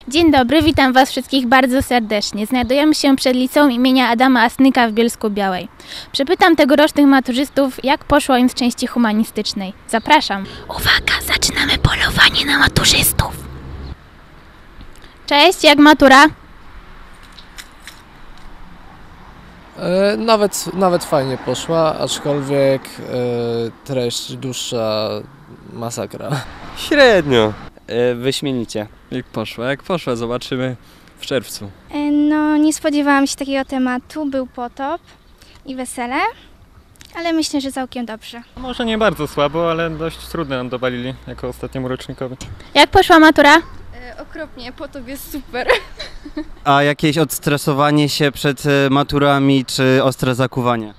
Dzień dobry, witam Was wszystkich bardzo serdecznie. Znajdujemy się przed liceum imienia Adama Asnyka w Bielsku-Białej. Przepytam tegorocznych maturzystów, jak poszło im z części humanistycznej. Zapraszam. Uwaga, zaczynamy polowanie na maturzystów. Cześć, jak matura? Nawet fajnie poszła, aczkolwiek treść dłuższa masakra. Średnio. Wyśmienicie. Jak poszła, zobaczymy w czerwcu. No, nie spodziewałam się takiego tematu. Był potop i wesele, ale myślę, że całkiem dobrze. Może nie bardzo słabo, ale dość trudne nam dowalili jako ostatniemu rocznikowi. Jak poszła matura? Okropnie, potop jest super. A jakieś odstresowanie się przed maturami, czy ostre zakuwanie?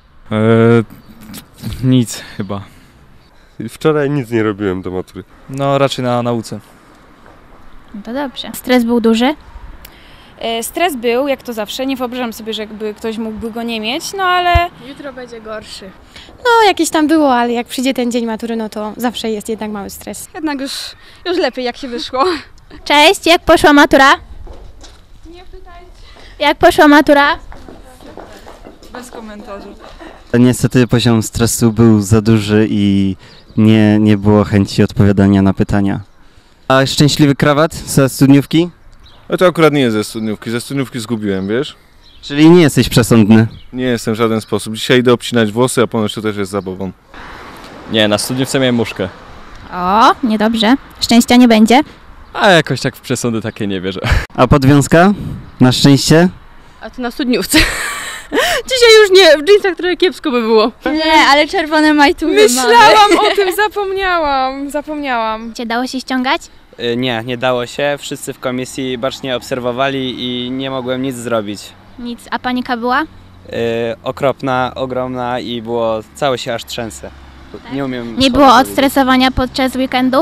Nic chyba. Wczoraj nic nie robiłem do matury. No raczej na nauce. No to dobrze. Stres był duży? Stres był, jak to zawsze. Nie wyobrażam sobie, że jakby ktoś mógłby go nie mieć, no ale jutro będzie gorszy. No jakieś tam było, ale jak przyjdzie ten dzień matury, no to zawsze jest jednak mały stres. Jednak już lepiej, jak się wyszło. Cześć, jak poszła matura? Nie pytajcie. Jak poszła matura? Bez komentarzy. Niestety poziom stresu był za duży i nie było chęci odpowiadania na pytania. A szczęśliwy krawat ze studniówki? A to akurat nie jest ze studniówki zgubiłem, wiesz? Czyli nie jesteś przesądny. Nie jestem w żaden sposób. Dzisiaj idę obcinać włosy, a ponoć to też jest zabawą. Nie, na studniówce miałem muszkę. O, niedobrze. Szczęścia nie będzie. A jakoś tak w przesądy takie nie wierzę. A podwiązka? Na szczęście? A to na studniówce. Dzisiaj już nie, w dżinsach trochę kiepsko by było. Nie, ale czerwone majtury Myślałam o tym, zapomniałam. Cię dało się ściągać? Nie dało się. Wszyscy w komisji bacznie obserwowali i nie mogłem nic zrobić. Nic. A panika była? Okropna, ogromna i całe się aż trzęsę. Nie umiem. Nie było odstresowania podczas weekendu?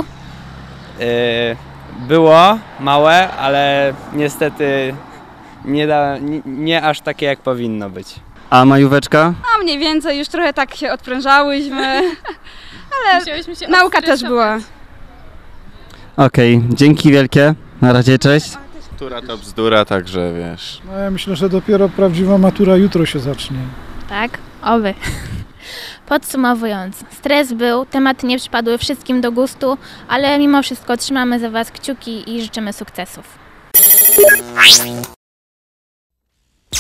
Było małe, ale niestety nie aż takie jak powinno być. A majóweczka? A mniej więcej, już trochę tak się odprężałyśmy, ale nauka też była. Okej, dzięki wielkie. Na razie, cześć. Matura to bzdura, także wiesz. No ja myślę, że dopiero prawdziwa matura jutro się zacznie. Tak, oby. Podsumowując, stres był, tematy nie przypadły wszystkim do gustu, ale mimo wszystko trzymamy za Was kciuki i życzymy sukcesów.